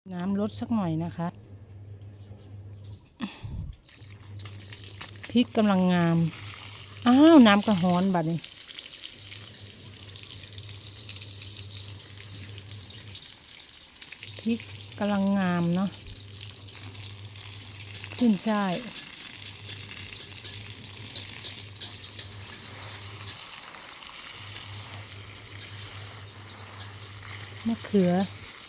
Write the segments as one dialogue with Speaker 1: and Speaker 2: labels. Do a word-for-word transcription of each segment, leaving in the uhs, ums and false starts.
Speaker 1: น้ำลดสักหน่อยนะคะพริกกำลังงามอ้าวน้ำกระห้อนบัดนี้พริกกำลังงามเนาะขึ้นช่ายมะเขือ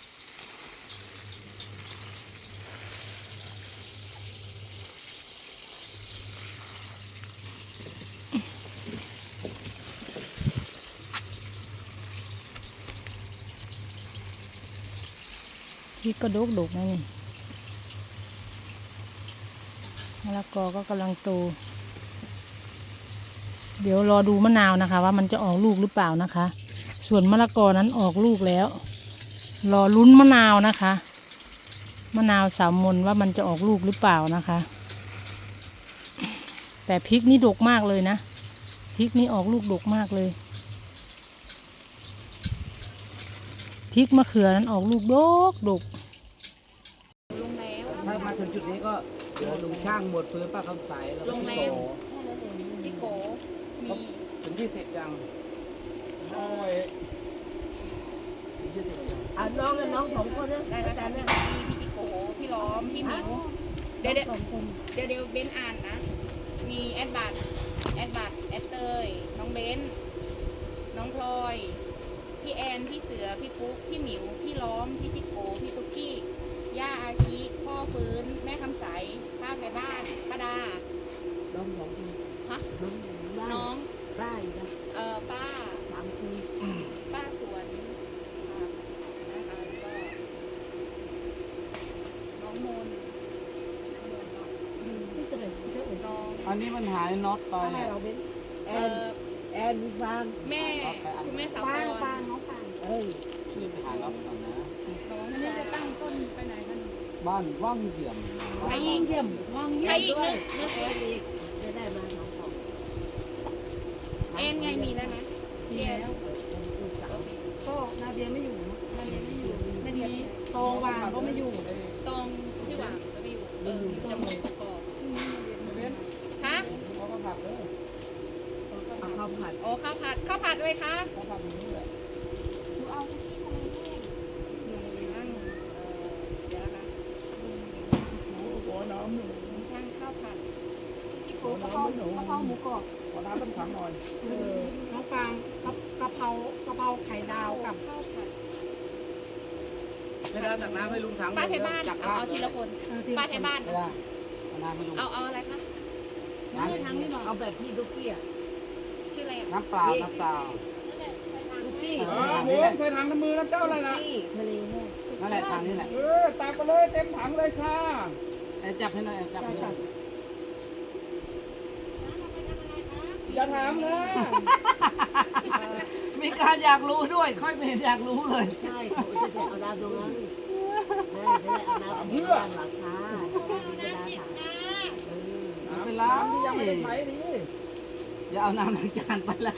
Speaker 1: พริกก็ดกดกนะนี่มะละกอก็กำลังโตเดี๋ยวรอดูมะนาวนะคะว่ามันจะออกลูกหรือเปล่านะคะส่วนมะละกอนั้นออกลูกแล้วรอลุ้นมะนาวนะคะมะนาวสามมนว่ามันจะออกลูกหรือเปล่านะคะแต่พริกนี่ดกมากเลยนะพริกนี่ออกลูกดกมากเลยพริกมะเขือนั้นออกลูกดกดก
Speaker 2: ถ้ามาถึงจุดนี้ก็เดี๋ยวลุงช่างหมดพื้นป้าคำใสแล้วก็พี่โก
Speaker 3: พี่โกมี
Speaker 2: ถึงที่สิบยังโอ้ยถึงที่สิบยัง
Speaker 4: อ่ะน้องกับน้องสองคนนะ
Speaker 3: ได้แล้วแต่พี่พี่จิโกพี่ล้อมพี่หมิวเดี๋ยวเดี๋ยวเดี๋ยวเดี๋ยวเบนอ่านนะมีแอดบัตแอดบัตแอดเตยน้องเบนน้องพลอยพี่แอนพี่เสือพี่ปุ๊กพี่หมิวพี่ล้อมพี่จิโกพี่ตุ๊กกี้ย่าอาชีพ่อฟื้นแม่คำใสป้าไทยบ้านป้าดา
Speaker 4: น้องสองคน
Speaker 3: ฮะ
Speaker 4: น้อง
Speaker 3: น้อง
Speaker 4: ไร่นะ
Speaker 3: เอ่อป้า
Speaker 4: สามคน
Speaker 3: ป้าสวนอ่านะคะแล้วก็น้องมนพี่เสด็จเจ้าอุ่นน้อง
Speaker 2: อันนี้มันหายน็อตไป
Speaker 4: ให้เราเป็นแอ
Speaker 3: เอ่
Speaker 4: น
Speaker 3: อ
Speaker 4: แอนมีฟาง
Speaker 3: แม่คุณแม่สาว
Speaker 4: ฟาง
Speaker 3: ก
Speaker 4: ฟางน้องฟางเอ้ย
Speaker 2: ช่วยไปหาน็อตก่อนนะ
Speaker 3: น้องนี่จะตั้งต้นไปไหนกัน
Speaker 2: บ้านว่างเยี่ยม
Speaker 3: ใครยิง
Speaker 4: เยี่ยม
Speaker 3: ว่างใครอีกนึกนึก
Speaker 4: แอนอีกจะได้มาสองสอง
Speaker 3: เอ็นไงมีแล้วนะเอ็น
Speaker 5: ก็นาเดียไม่อยู่เนอะ
Speaker 3: นาเดียไม่อยู่นาเดีย
Speaker 5: โตวางก็ไม่อยู่
Speaker 3: ตองที่หวังก็ไม่อยู่เออจมูกประกอบฮะ
Speaker 2: เขาก็ผักเลย
Speaker 4: เอาข้าวผัด
Speaker 3: โอ้ข้าวผัดข้าวผัดเลยคะ
Speaker 2: เขาผักอย่างนี้แหละ
Speaker 3: หนูเอาคุกกี้ทะเลแห้งหนูนั่งเอ่อเดี๋ยวนะ
Speaker 2: โอ้โหน้ำหนู
Speaker 3: หนูช่างข้าวผัด
Speaker 5: ที่โกกะเพรากะเพราหมูกรอบ
Speaker 2: ขอน้ำต้มขังหน่อย
Speaker 5: เออน้องฟางกะกะเพรากะเพราไข่ดาวกับ
Speaker 3: ข้าวผัด
Speaker 2: ไม่ได้ตักน้ำให้ลุงถัง
Speaker 3: ป้าไทยบ้าน
Speaker 2: จัก
Speaker 3: เอาเอาทีละคน
Speaker 5: เออที่
Speaker 3: ป้าไทยบ้าน
Speaker 2: ไม่ได้เอาน้ำให้ลุง
Speaker 3: เอาเอาอะไรคะ
Speaker 2: น้ำ
Speaker 5: ทั้งนี้หรอ
Speaker 4: เอาแบบพี่ตุ๊กกี้อ่ะ
Speaker 3: ชื่ออะไรอ่ะ
Speaker 2: น้ำเปล่าน้ำเปล่า
Speaker 4: ตุ๊กกี้
Speaker 2: เออหมูใส่ถังน้ำมือน้ำเจ้าอะไรนะ
Speaker 4: ตุ๊กกี้ทะเลแห้ง
Speaker 2: นั่นแหละทางนี้แหละ
Speaker 6: เออตักไปเลยเต็มถังเลยค่ะ
Speaker 2: ไอ้จับให้หน่อยไอ้จับให้หน่อย
Speaker 6: อย่าถามนะ
Speaker 2: มีการอยากรู้ด้วย ค่อยไม่เห็นอยากรู้เลย
Speaker 4: ใช่เขาจะได้เอาน้ำตรงนั้นได้จะได้เอาน้ำเพื่อหลังคาไม่ได้ถังเออ
Speaker 2: ไม่เป็นไร
Speaker 6: น้ำที่ยังไม่ได้ใช้ดิ
Speaker 2: อย่าเอาน้ำล้างจานไปแล้ว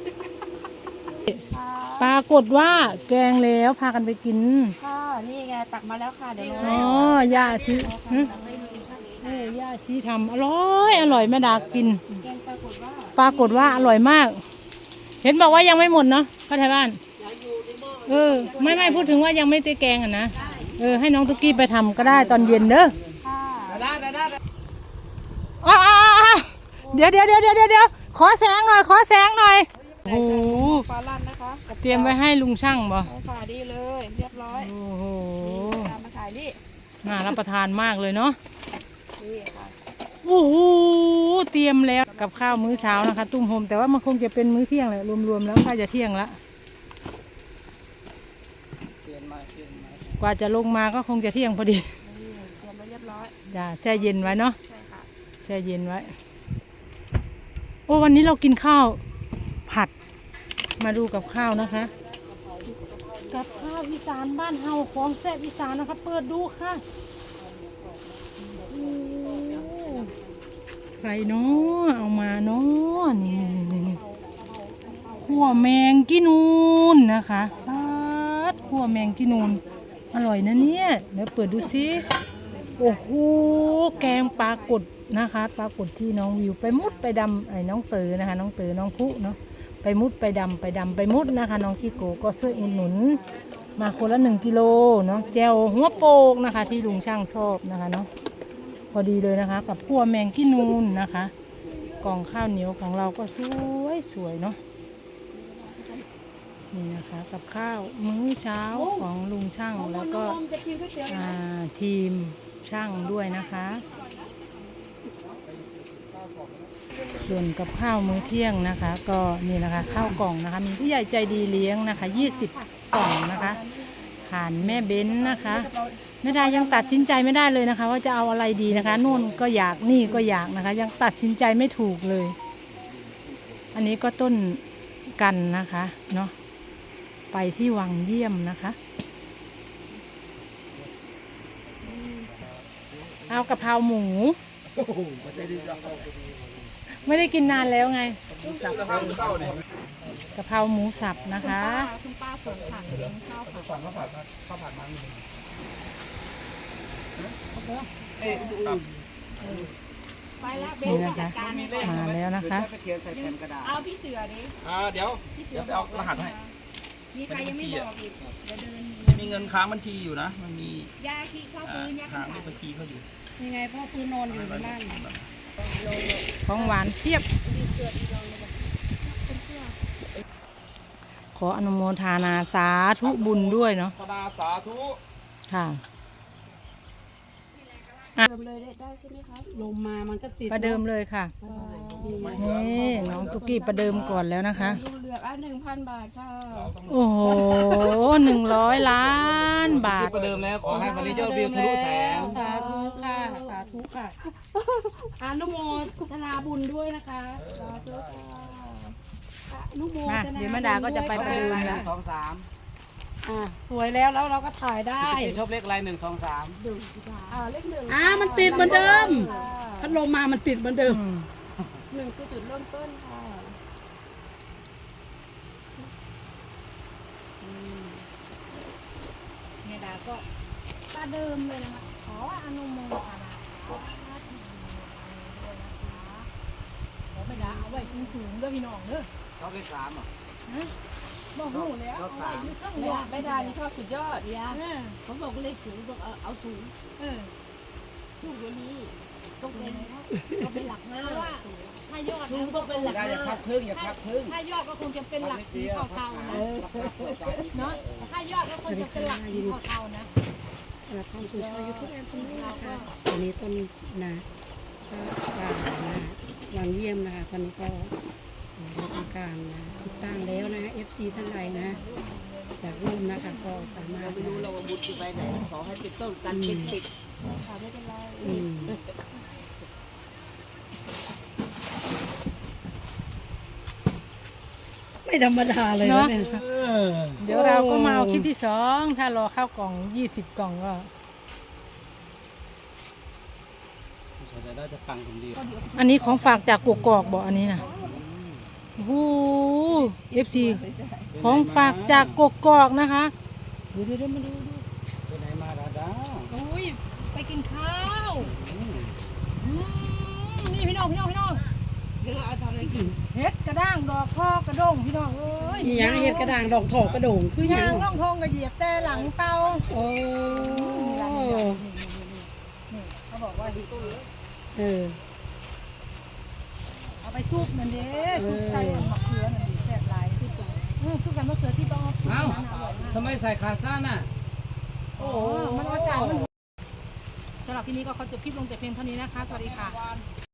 Speaker 1: ปรากฏว่าแกงแล้วพากันไปกิน
Speaker 3: ค่ะนี่ไงตักมาแล้วค่ะเดี๋ยว
Speaker 1: อ๋อย่าซีหึเอ้ยย่าซีทำอร่อยอร่อยแม่ดากิน
Speaker 3: แกงปรากฏว่า
Speaker 1: ปรากฏว่าอร่อยมาก เห็นบอกว่ายังไม่หมดเนาะป้าไทยบ้านเออไม่ไม่พูดถึงว่ายังไม่ได้แกงอ่ะนะเออให้น้องตุ๊กกี้ไปทำก็ได้ตอนเย็นเด้อ
Speaker 2: ได้ได้ได้
Speaker 1: อ๋อเดี๋ยวเดี๋ยวเดี๋ยวเดี๋ยวเดี๋ยวขอแสงหน่อยขอแสงหน่อยโอ้โห
Speaker 3: ปลาลั่นนะคะ
Speaker 1: เตรียมไว้ให้ลุงช่างบ่
Speaker 3: เอาฝาดีเลยเรียบร้อย
Speaker 1: โอ้โห
Speaker 3: ตามมาขายนี่
Speaker 1: น่ารับประทานมากเลยเนาะ
Speaker 3: นี่ค่ะ
Speaker 1: โอ้โหเตรียมแล้วกับข้าวมื้อเช้านะคะ ตุ้มโฮมแต่ว่ามันคงจะเป็นมื้อเที่ยงแหละรวมๆแล้วใกล้จะเที่ยงละ
Speaker 2: เปลี่ยนมาเปลี่ยนมาก
Speaker 1: ว่าจะลงมาก็คงจะเที่ยงพอดี
Speaker 3: นี่เตรียมไว้เรียบร้อย
Speaker 1: อย่าแช่เย็นไว้เนาะ
Speaker 3: ใช่ค่ะ
Speaker 1: แช่เย็นไว้โอ้วันนี้เรากินข้าวผัดมาดูกับข้าวนะคะกับข้าวอีสานบ้านเฮาของแซ่บอีสานนะคะเปิดดูค่ะโอ้ใครเนาะเอามาเนาะนี่นี่นี่ขั่วแมงกินูนนะคะปัดขั่วแมงกินูนอร่อยนะเนี่ยเดี๋ยวเปิดดูซิโอ้โหแกงปลากดนะคะปลากดที่น้องวิวไปมุดไปดำไอ้น้องเต๋อนะคะน้องเต๋อน้องพุเนาะไปมุดไปดำไปดำไปมุดนะคะน้องจิโกก็ช่วยอุดหนุนมาคนละหนึ่งกิโลเนาะแจวหัวโปกนะคะที่ลุงช่างชอบนะคะเนาะพอดีเลยนะคะกับขั่วแมงกี้นูนนะคะกล่องข้าวเหนียวของเราก็สวยสวยเนาะนี่นะคะกับข้าวมื้อเช้าของลุงช่างแล้วก็อ่าทีมช่างด้วยนะคะส่วนกับข้าวมื้อเที่ยงนะคะ ก็นี่นะคะข้าวกล่องนะคะมีผู้ใหญ่ใจดีเลี้ยงนะคะยี่สิบกล่องนะคะผ่านแม่เบ้นนะคะแม่ดายังตัดสินใจไม่ได้เลยนะคะ ว่าจะเอาอะไรดีนะคะนู่นก็อยากนี่ก็อยากนะคะ ยังตัดสินใจไม่ถูกเลย อันนี้ก็ต้นกันนะคะเนาะไปที่วังเยี่ยมนะคะเอากะเพราหมู
Speaker 2: โอ้โหไม่ได้ดีจัง
Speaker 1: ไม่ได้กินนานแล้วไง
Speaker 2: สับข้าวเต้าเนี่ย
Speaker 1: กะเพราหมูสับนะคะ
Speaker 5: คุณป้าสวนผักเลี้ยงข้าวผัด
Speaker 2: สั่งข้าวผัดข้าวผัดมัน
Speaker 3: ไปแล้วเบน
Speaker 1: นี่
Speaker 3: ไป
Speaker 1: นะ
Speaker 3: จั
Speaker 1: คะ
Speaker 3: ดการ
Speaker 1: มาแล้วนะคะ
Speaker 2: ไปเขียนใส่แผ่นกระดาษ
Speaker 3: เอาพี่เสือดิ
Speaker 6: อ่าเดี๋ยว
Speaker 3: พี่เสื
Speaker 6: เดี๋
Speaker 3: อ
Speaker 6: ยวไปเอารหัสให้
Speaker 3: มีใครยังไม่บอกอีกเดี๋ยวเดิน
Speaker 6: ไม่มีเงินค้างบัญชีอยู่นะ มันมี
Speaker 3: ยาขี้เข้า
Speaker 6: อ่า
Speaker 3: ปืนยา
Speaker 6: ค้าง
Speaker 3: ขี้
Speaker 6: ในบัญชีเขาอยู่
Speaker 5: ยังไงพ่อปืนนอนอยู่ในบ้าน
Speaker 1: ของหวานเทียบ ขออนุโมทนาสาธุบุญด้วยเนาะ
Speaker 6: ธนาสาธุ
Speaker 1: ค่ะ
Speaker 5: เดิมเลยได้ใช่ไหมครับลมมามันก็ติด
Speaker 1: ประเดิมเลยค่ะนี่น้องตุกกี้ประเดิมก่อนแล้วนะคะ
Speaker 5: ลูกเลือกอ่ะหนึ่งพันบาทค่ะ
Speaker 1: โอ้โหหนึ่งร้อยล้านบาท
Speaker 2: ประเดิมแล้วขอให้วันนี้ยอดวิวทะลุแสน
Speaker 5: สาธุค่ะสาธุค่ะอนุโมทนาบุญด้วยนะคะสาธุค่ะอนุโม
Speaker 1: มา
Speaker 5: ทนา
Speaker 1: เดี๋ยวแม่ดาก็จะไปประเดิม
Speaker 2: ห
Speaker 1: แล้ว
Speaker 2: นึ่งสองสาม
Speaker 5: อ่ะสวยแล้วแล้วเราก็ถ่ายได้
Speaker 2: ชอบเลขอะไรหนึ่งสองสาม
Speaker 5: อ่าเลขหนึ่งอ่ามันติดเหมือนเดิมพัดลมมามันติดเหมือนเดิม
Speaker 1: อืม
Speaker 5: หนึ่งคือจุดเริ่มต้นค่ะเมดาก็ประเดิมเลยนะคะขออนุโมทนาขอเมดาเอาไว้สูงๆด้วยพี่น้องเด้อ
Speaker 2: ชอบเลขสามอ่ะ
Speaker 5: บอกหูแล้ว
Speaker 2: ชอบสาม
Speaker 5: เนี่ยไม่ได้นี่ชอบสุดยอด
Speaker 4: ยาเขาบอกเลขสูงต้องเอาเอาสูง
Speaker 5: เออ
Speaker 4: สูงกว่านี้ต้องเป็นต้องเป็นหลักห้า
Speaker 5: ถ้ายอด
Speaker 4: สูงต้องเป็นหลัก
Speaker 2: ได้อย่า
Speaker 4: ห้า
Speaker 2: พับครึ่งอย่าพับครึ่ง
Speaker 5: ถ้ายอดก็คงจะเป็นหลักสีเทาๆนะ
Speaker 2: เนาะ
Speaker 5: เนาะถ้ายอดก็คงจะเป็นหลักสีเทาๆนะ
Speaker 7: เราเข้าสู่ช่องยูทูบแอนด์นี่นะคะตอนนี้ต้นนะก็ว่านะวังเยี่ยมนะคะตอนนี้ก็ได้ทำการนะติดตั้งแล้วนะเอฟซีท่านใดนะอยากร่วมนะคะก็สามารถ
Speaker 4: ไม่รู้
Speaker 7: นะ
Speaker 4: เราบุญไปไหนขอให้เป็นต้นกันเป็นติด
Speaker 7: อืม ไม่ธรรมดาเลย
Speaker 1: เนาะ
Speaker 7: เนี่ย
Speaker 1: เดี๋ยวเราก็มาเอาคลิปที่สองถ้ารอข้าวกล่องยี่สิบกล่องก็
Speaker 2: เดี๋ยวเราจะปังคนเดียว
Speaker 1: อันนี้ของฝากจากกกอกบอกอันนี้นะโอ้โหเอฟซีของฝากจากกกอกนะคะเดี๋ยวเดี๋ยวมาดูดู
Speaker 2: ไปไหนมาดาดา
Speaker 1: โอ้ยไปกินข้าวอืมนี่พี่น้องพี่น้องพี่น้องเดี๋ยวเอาทำอะไรกินเห็ดกระด้างดอกพอกระด้งพี่น้องเอ้ย
Speaker 7: อีหยังเห็ดกระด่างดอกถอกกระโด่งคือหยั
Speaker 1: ย่าง งล่องทองกระเหยียบแต่หลังเตา
Speaker 7: โอ้
Speaker 1: เขาบอกว่า
Speaker 7: เออ
Speaker 1: เอาไปซุปนั่นเด้ซุปใส่มะเขือนั่นดิแซ่บหลายซุปกันเออซุปกันมะเขือที่ต้องเอาซุป
Speaker 2: เอ้า
Speaker 1: นั้นอร่อยมาก
Speaker 2: ทำไมใส่ขาสั้นน่ะ
Speaker 1: โอ้มันอากาศมันสำหรับที่นี้ก็เขาจะคลิปลงแต่เพียงเท่านี้นะคะ สวัสดีค่ะ